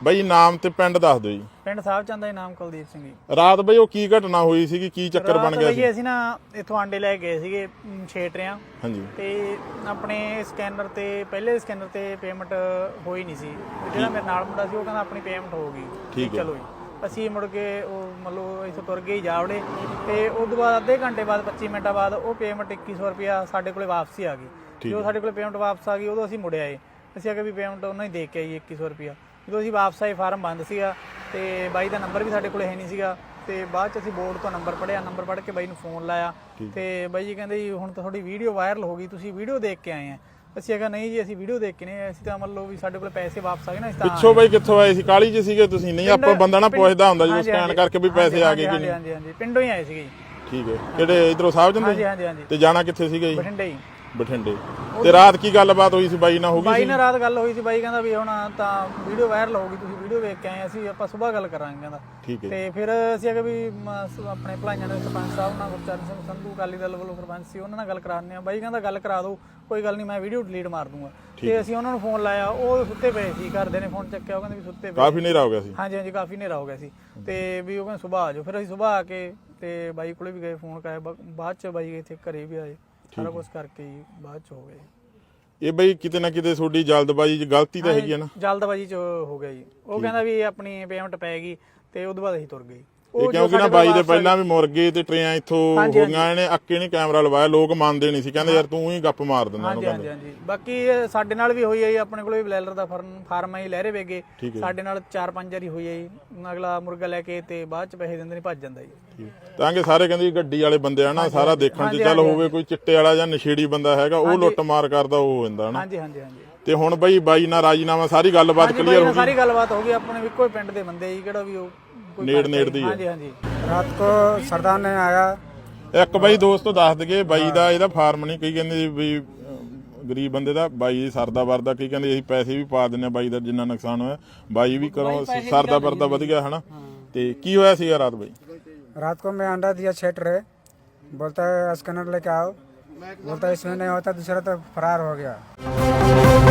ਬਈ ਨਾਮ ਤੇ ਪਿੰਡ ਦੱਸ ਦਿਓ ਜੀ। ਪਿੰਡ ਸਾਹਿਬ ਚੰਦ ਦਾ ਨਾਮ ਕੁਲਦੀਪ ਸਿੰਘ ਜੀ। ਰਾਤ ਬਈ ਉਹ ਕੀ ਘਟਨਾ ਹੋਈ ਸੀਗੀ, ਕੀ ਚੱਕਰ ਬਣ ਗਿਆ ਸੀ? ਅਸੀਂ ਨਾ ਇੱਥੋਂ ਆਂਡੇ ਲੈ ਗਏ ਸੀਗੇ ਛੇਟਰਿਆਂ। ਹਾਂਜੀ। ਤੇ ਆਪਣੇ ਸਕੈਨਰ ਤੇ ਪਹਿਲੇ ਸਕੈਨਰ ਤੇ ਪੇਮੈਂਟ ਹੋਈ ਨਹੀਂ ਸੀ। ਜਿਹੜਾ ਮੇਰੇ ਨਾਲ ਮੁੰਡਾ ਸੀ ਉਹ ਕਹਿੰਦਾ ਆਪਣੀ ਪੇਮੈਂਟ ਹੋ ਗਈ। ਠੀਕ ਹੈ। ਚਲੋ ਜੀ ਅਸੀਂ ਮੁੜ ਕੇ ਉਹ ਮਤਲਬ ਇੱਥੋਂ ਤੁਰ ਗਏ ਜਾਵੜੇ ਤੇ ਉਸ ਤੋਂ ਬਾਅਦ ਅੱਧੇ ਘੰਟੇ ਬਾਅਦ 25 ਮਿੰਟਾਂ ਬਾਅਦ ਉਹ ਪੇਮੈਂਟ 2100 ਰੁਪਇਆ ਸਾਡੇ ਕੋਲੇ ਵਾਪਸੀ ਆ ਗਈ। ਜਦੋਂ ਸਾਡੇ ਕੋਲੇ ਪੇਮੈਂਟ ਵਾਪਸ ਆ ਗਈ ਉਦੋਂ ਅਸੀਂ ਮੁੜ ਆਏ। ਅਸੀਂ ਆਖਿਆ ਵੀ ਪੇਮੈਂਟ ਉਹਨਾਂ ਹੀ ਦੇ ਕੇ ਆਈ 2100 ਰੁਪਇਆ। ਜਦੋਂ ਅਸੀਂ ਵਾਪਸ ਆਏ ਫਾਰਮ ਬੰਦ ਸੀਗਾ ਤੇ ਬਾਈ ਦਾ ਨੰਬਰ ਵੀ ਸਾਡੇ ਕੋਲੇ ਹੈ ਨਹੀਂ ਸੀਗਾ। ਤੇ ਬਾਅਦ 'ਚ ਅਸੀਂ ਬੋਰਡ ਤੋਂ ਨੰਬਰ ਪੜ੍ਹਿਆ, ਨੰਬਰ ਪੜ੍ਹ ਕੇ ਬਾਈ ਨੂੰ ਫੋਨ ਲਾਇਆ ਤੇ ਬਾਈ ਜੀ ਕਹਿੰਦੇ ਜੀ ਹੁਣ ਤਾਂ ਤੁਹਾਡੀ ਵੀਡੀਓ ਵਾਇਰਲ ਹੋ ਗਈ, ਤੁਸੀਂ ਵੀਡੀਓ ਦੇਖ ਕੇ ਆਏ ਆ। ਅਸੀਂ ਆਖਿਆ ਨਹੀਂ ਜੀ ਅਸੀਂ ਵੀਡੀਓ ਦੇਖ ਕੇ ਨਹੀਂ, ਅਸੀਂ ਤਾਂ ਮੰਨ ਲਓ ਵੀ ਸਾਡੇ ਕੋਲ ਪੈਸੇ ਵਾਪਸ ਆ ਗਏ ਨਾ। ਪਿੱਛੋਂ ਬਾਈ ਕਿੱਥੋਂ ਆਏ ਸੀ? ਕਾਲੀ 'ਚ ਸੀਗੇ ਤੁਸੀਂ? ਨਹੀਂ ਆਪਾਂ ਬੰਦਾ ਨਾ ਪੁੱਛਦਾ ਹੁੰਦਾ ਜਦੋਂ ਸਕੈਨ ਕਰਕੇ ਵੀ ਪੈਸੇ ਆ ਗਏ ਕਿ ਨਹੀਂ। ਹਾਂਜੀ ਹਾਂਜੀ ਪਿੰਡੋਂ ਹੀ ਆਏ ਸੀਗੇ ਜੀ। ਠੀਕ ਹੈ। ਕਿਹੜੇ ਇਧਰੋਂ ਸਾਹਿਬ ਜੰਦੇ? ਹਾਂਜੀ ਹਾਂਜੀ ਹਾਂਜੀ। ਤੇ ਜਾਣਾ ਕਿੱਥੇ ਸੀਗਾ ਜੀ? ਬਠਿੰਡੇ ਹੀ। ਬਠਿੰਡੇ। ਤੇ ਰਾਤ ਕੀ ਗੱਲਬਾਤ ਹੋਈ ਸੀ ਬਾਈ ਨਾਲ? ਹੋ ਗਈ ਬਾਈ ਨਾਲ ਰਾਤ ਗੱਲ ਹੋਈ ਸੀ। ਬਾਈ ਕਹਿੰਦਾ ਵੀ ਹੁਣ ਤਾਂ ਵੀਡੀਓ ਵਾਇਰਲ ਹੋ ਗਈ, ਤੁਸੀਂ ਵੀਡੀਓ ਵੇਖ ਕੇ ਆਏ, ਅਸੀਂ ਆਪਾਂ ਸਵੇਰ ਗੱਲ ਕਰਾਂਗੇ ਕਹਿੰਦਾ। ਠੀਕ ਹੈ। ਤੇ ਫਿਰ ਅਸੀਂ ਆਖਿਆ ਵੀ ਆਪਣੇ ਭਲਾਈਆਂ ਦੇ ਸਰਪੰਚ ਸਾਹਿਬ ਨਾਲ ਗੁਰਚਰਨ ਸਿੰਘ ਸੰਧੂ ਅਕਾਲੀ ਦਲ ਵੱਲੋਂ ਸਰਪੰਚ ਸੀ, ਉਹਨਾਂ ਨਾਲ ਗੱਲ ਕਰਾਉਂਦੇ ਆ। ਬਾਈ ਕਹਿੰਦਾ ਗੱਲ ਕਰਾ ਦਿਓ, ਕੋਈ ਗੱਲ ਨਹੀਂ, ਮੈਂ ਵੀਡੀਓ ਡਿਲੀਟ ਮਾਰ ਦੂੰਗਾ। ਤੇ ਅਸੀਂ ਉਹਨਾਂ ਨੂੰ ਫੋਨ ਲਾਇਆ, ਉਹ ਸੁੱਤੇ ਪਏ ਸੀ। ਘਰਦੇ ਨੇ ਫੋਨ ਚੱਕਿਆ, ਉਹ ਕਹਿੰਦੇ ਵੀ ਸੁੱਤੇ ਪਏ। ਕਾਫੀ ਹਨੇਰਾ ਹੋ ਗਿਆ ਸੀ? ਹਾਂਜੀ ਹਾਂਜੀ ਕਾਫੀ ਹਨੇਰਾ ਹੋ ਗਿਆ ਸੀ। ਤੇ ਵੀ ਉਹ ਕਹਿੰਦੇ ਸੁਬਾਹ ਆ ਜਾਓ। ਫਿਰ ਅਸੀਂ ਸੁਬਾਹ ਆ ਕੇ ਤੇ ਬਾਈ ਕੋਲੇ ਵੀ ਗਏ, ਫੋਨ ਕਰਾਇਆ। ਬਾਅਦ ਚ ਬਾਈ ਇੱਥੇ ਘਰੇ ਵੀ ਆਏ, ਸਾਰਾ ਕੁਝ ਕਰਕੇ ਹੀ ਬਾਅਦ ਚ ਹੋ ਗਏ। ਇਹ ਬਈ ਕਿਤੇ ਨਾ ਕਿਤੇ ਤੁਹਾਡੀ ਜਲਦਬਾਜ਼ੀ 'ਚ ਗਲਤੀ ਤਾਂ ਹੈਗੀ ਹੈ ਨਾ? ਜਲਦਬਾਜ਼ੀ 'ਚ ਹੋ ਗਿਆ ਜੀ। ਉਹ ਕਹਿੰਦਾ ਵੀ ਆਪਣੀ ਪੇਮੈਂਟ ਪੈ ਗਈ ਤੇ ਉਦੋਂ ਬਾਅਦ ਅਸੀਂ ਤੁਰ ਗਏ। ਇਹ ਕਿਉਂਕਿ ਨਾ ਬਾਈ ਦੇ ਪਹਿਲਾਂ ਵੀ ਮੁਰਗੇ ਤੇ ਟਰੇਆਂ ਇੱਥੋਂ ਹੋ ਗਈਆਂ, ਇਹਨੇ ਅੱਕੇ ਨਹੀਂ ਕੈਮਰਾ ਲਵਾਇਆ, ਲੋਕ ਮੰਨਦੇ ਨਹੀਂ ਸੀ, ਕਹਿੰਦੇ ਯਾਰ ਤੂੰ ਹੀ ਗੱਪ ਮਾਰ ਦਿੰਦਾ। ਹਾਂਜੀ ਹਾਂਜੀ ਹਾਂਜੀ। ਬਾਕੀ ਸਾਡੇ ਨਾਲ ਵੀ ਹੋਈ ਹੈ ਜੀ, ਆਪਣੇ ਕੋਲ ਵੀ ਬਲੈਲਰ ਦਾ ਫਾਰਮ ਹੈ ਜੀ, ਲਹਿਰੇ ਵੇਗੇ। ਸਾਡੇ ਨਾਲ 4-5 ਵਾਰੀ ਹੋਈ ਹੈ ਜੀ। ਅਗਲਾ ਮੁਰਗਾ ਲੈ ਕੇ ਤੇ ਬਾਅਦ ਚ ਪੈਸੇ ਦਿੰਦੇ ਨਹੀਂ, ਭੱਜ ਜਾਂਦਾ ਜੀ। ਤਾਂ ਕਿ ਸਾਰੇ ਕਹਿੰਦੇ ਗੱਡੀ ਵਾਲੇ ਬੰਦੇ ਆ ਨਾ, ਸਾਰਾ ਦੇਖਣ 'ਚ ਚੱਲ ਹੋਵੇ ਕੋਈ ਚਿੱਟੇ ਵਾਲਾ ਜਾਂ ਨਸ਼ੇੜੀ ਬੰਦਾ ਹੈਗਾ, ਉਹ ਲੁੱਟ ਮਾਰ ਕਰਦਾ ਉਹ ਹੋ ਜਾਂਦਾ ਨਾ। ਹਾਂਜੀ ਹਾਂਜੀ ਹਾਂਜੀ। ਤੇ ਹੁਣ ਬਈ ਬਾਈ ਨਾਲ ਰਾਜੀਨਾਮਾ ਸਾਰੀ ਗੱਲਬਾਤ ਕਲੀਅਰ ਹੋ ਗਈ? ਸਾਰੀ ਗੱਲਬਾਤ ਹੋ ਗਈ। ਆਪਣੇ ਇੱਕੋ ਹੀ ਪਿੰਡ ਦੇ ਬੰਦੇ ਜੀ, ਕਿਹੜਾ ਵੀ ਉਹ ਨੇੜ ਦੀ ਹੈ। ਹਾਂਜੀ ਹਾਂਜੀ। रात को सरदार ने आया। ਇੱਕ ਬਾਈ ਦੋਸਤੋ ਦੱਸ ਦਈਏ, ਬਾਈ ਦਾ ਇਹਦਾ ਫਾਰਮ ਨਹੀਂ, ਕਈ ਕਹਿੰਦੇ ਵੀ ਗਰੀਬ ਬੰਦੇ ਦਾ, ਬਾਈ ਸਰਦਾ ਵਰਦਾ, ਕਈ ਕਹਿੰਦੇ ਅਸੀਂ ਪੈਸੇ ਵੀ ਪਾ ਦਿੰਦੇ ਆ ਬਾਈ ਦਾ ਜਿੰਨਾ ਨੁਕਸਾਨ ਹੋਇਆ। ਬਾਈ ਵੀ ਕਰੋ ਸਰਦਾ ਵਰਦਾ ਵਧ ਗਿਆ ਹਨਾ। ਤੇ ਕੀ ਹੋਇਆ ਸੀਗਾ ਰਾਤ ਬਾਈ? रात को मैं अंडा दिया छेट रहे, बोलता है स्कैनर लेके आओ, बोलता है इसमें नहीं होता, दूसरा तो फरार हो गया।